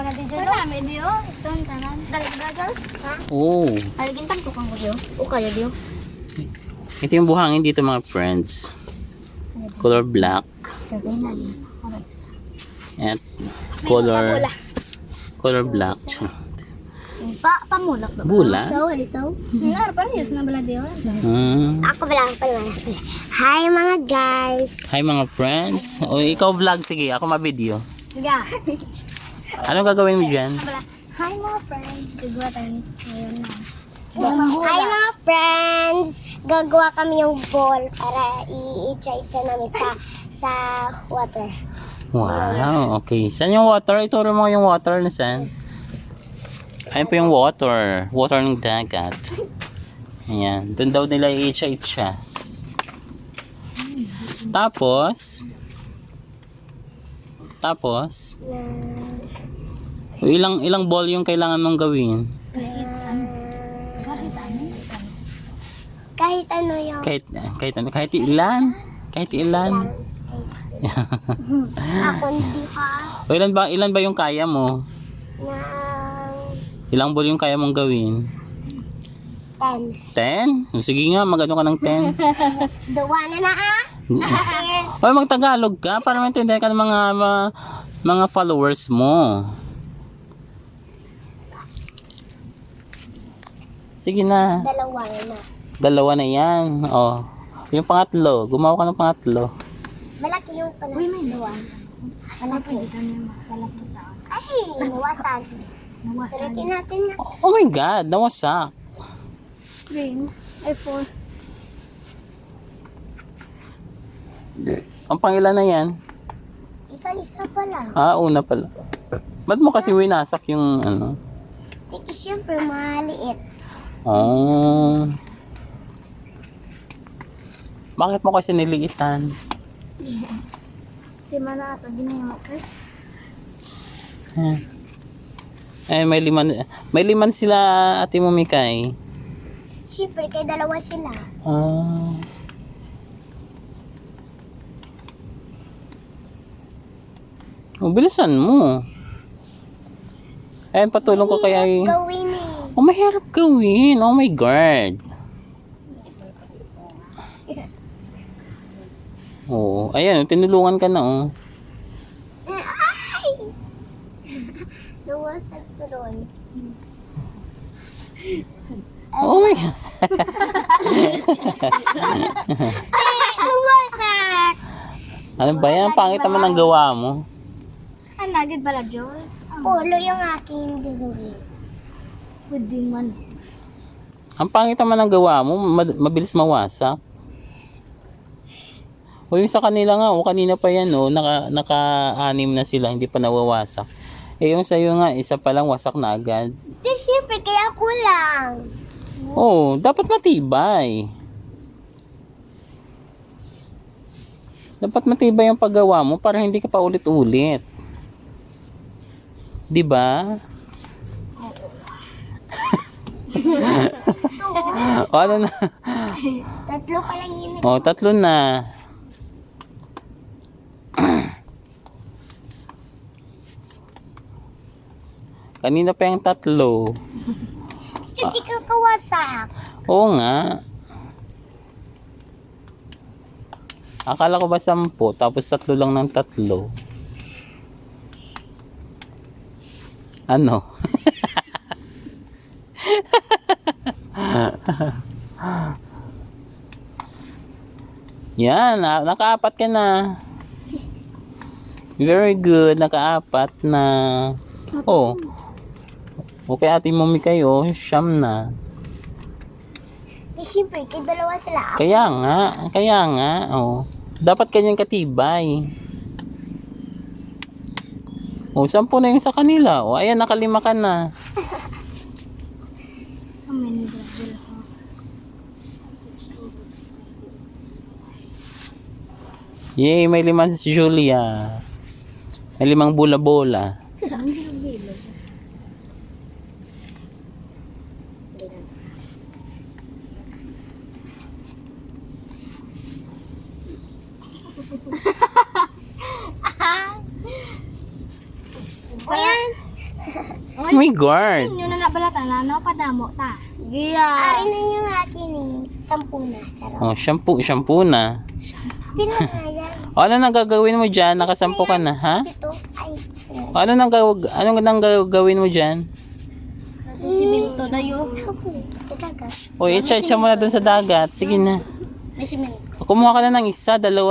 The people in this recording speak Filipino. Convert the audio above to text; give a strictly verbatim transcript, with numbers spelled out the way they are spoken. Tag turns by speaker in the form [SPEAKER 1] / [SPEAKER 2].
[SPEAKER 1] na dito. Marami diyo. Ito ang tanan. Dali brother. Ha?
[SPEAKER 2] Oo.
[SPEAKER 1] Ay gintang tukang ko diyo. O kaya diyo.
[SPEAKER 2] Ito yung buhangin dito mga friends. Color black.
[SPEAKER 1] Sabi na niya.
[SPEAKER 2] At color color black.
[SPEAKER 1] Pa pamulak ba?
[SPEAKER 2] Bula?
[SPEAKER 1] So, so. Nga pa news na bala diyo.
[SPEAKER 2] Hmm.
[SPEAKER 1] Ako bala pa wala. Hi mga guys.
[SPEAKER 2] Hi mga friends. O ikaw vlog, sige. Ako ma-video.
[SPEAKER 1] Sige.
[SPEAKER 2] Anong gagawin mo dyan?
[SPEAKER 1] Hi mga friends. Gagawa tayo ngayon na. Hi mga friends. Gagawa kami yung ball para i-itcha-itcha namin sa sa water.
[SPEAKER 2] Wow, okay. Saan yung water? Ituro mo yung water na saan? Ayun po yung water. Water ng dagat. Ayan. Doon daw nila i-itcha-itcha. Tapos, tapos, ilang ilang ball yung kailangan mong gawin?
[SPEAKER 1] Kahit ano yung
[SPEAKER 2] Kahit, kahit ano, kahit ilan? Kahit ilan?
[SPEAKER 1] ako hindi ka
[SPEAKER 2] O ilan ba, ilan ba yung kaya mo?
[SPEAKER 1] ng
[SPEAKER 2] Ilang ball yung kaya mong gawin?
[SPEAKER 1] ten.
[SPEAKER 2] ten? Sige nga, magano ka ng ten.
[SPEAKER 1] Duwa na na ah.
[SPEAKER 2] Oy, mag-Tagalog ka para maintindihan ka ng mga mga, mga followers mo. Sige na.
[SPEAKER 1] Dalawa na.
[SPEAKER 2] Dalawa na yan. Oh. Yung pangatlo, gumawa ka ng pangatlo.
[SPEAKER 1] Malaki yung pala. Uy, may duwa. Malaki. Malaki taon. Ay, nawasan. Nawasan. Pilitin natin na.
[SPEAKER 2] Oh my God, nawasak.
[SPEAKER 1] Green. Ay, four.
[SPEAKER 2] Ang pangilan na yan?
[SPEAKER 1] Isa-isa pa lang.
[SPEAKER 2] Ah, una pala. Ba't mo kasi winasak yung ano?
[SPEAKER 1] Tiki, syempre, maliit.
[SPEAKER 2] Oh. Bakit mo kasi niliitan?
[SPEAKER 1] Di man na ito, ginayon ko.
[SPEAKER 2] Hmm. Eh, may liman. May liman sila, Ate Momikay.
[SPEAKER 1] Syempre, kay dalawa sila.
[SPEAKER 2] Ah. Oh, bilisan mo. Eh, patulong ko kaya y-
[SPEAKER 1] Gawin eh.
[SPEAKER 2] Oh, mahirap gawin. Oh my God. Oh, ayan, tinulungan ka na, oh.
[SPEAKER 1] Ay! Nawasag tuloy.
[SPEAKER 2] Oh my God.
[SPEAKER 1] Ay! Nawasag!
[SPEAKER 2] Ano ba yan? Pangit naman ang gawa mo.
[SPEAKER 1] Ang nagid pala, Joel? Pulo yung aking gagawin. Pwede man.
[SPEAKER 2] Ang pangit naman ang gawa mo. Mad- mabilis mawasak. O yung sa kanila nga, o kanina pa yan, o, naka, naka-anim na sila, hindi pa nawawasak. Eh yung sa'yo nga, isa pa lang wasak na agad.
[SPEAKER 1] Di, syempre, kaya ako lang.
[SPEAKER 2] Oo, dapat matibay. Dapat matibay yung paggawa mo para hindi ka pa ulit-ulit. Di ba? O ano na?
[SPEAKER 1] Tatlo pa lang yun.
[SPEAKER 2] O, tatlo na. Kanina pa yung tatlo.
[SPEAKER 1] Kasi kakawasak.
[SPEAKER 2] Oo nga. Akala ko ba sampu, tapos tatlo lang ng tatlo. Ano? Yan, na- nakaapat ka na. Very good, nakaapat na. Oh. Okay, Ate Mommy kayo, siyam na.
[SPEAKER 1] Di, syempre, kay dalawa sila. Ako.
[SPEAKER 2] Kaya nga, kaya nga, oh. Dapat kanyang katibay. Oh, sampu na yung sa kanila. Oh, ayan, nakalima ka na. Yay, may lima si Julia. May limang bola-bola.
[SPEAKER 1] Ayan.
[SPEAKER 2] Oh my God.
[SPEAKER 3] Yun na nabalata na, no? Padamo, ta. Giya.
[SPEAKER 1] Ari na yung akin eh. Sampu na. Charot.
[SPEAKER 2] Oh, shampoo, shampoo na.
[SPEAKER 1] Pila na yan.
[SPEAKER 2] O, ano nang gagawin mo dyan? Nakasampo ka na, ha?
[SPEAKER 1] Ito. Ay.
[SPEAKER 2] O, ano nang, gaw- ano nang gagawin mo dyan?
[SPEAKER 3] Siminto dayo.
[SPEAKER 1] Sa dagat.
[SPEAKER 2] O, itcha-itcha mo na dun sa dagat. Sige na.
[SPEAKER 3] May siminto.
[SPEAKER 2] Kumuha ka na ng isa, dalawa.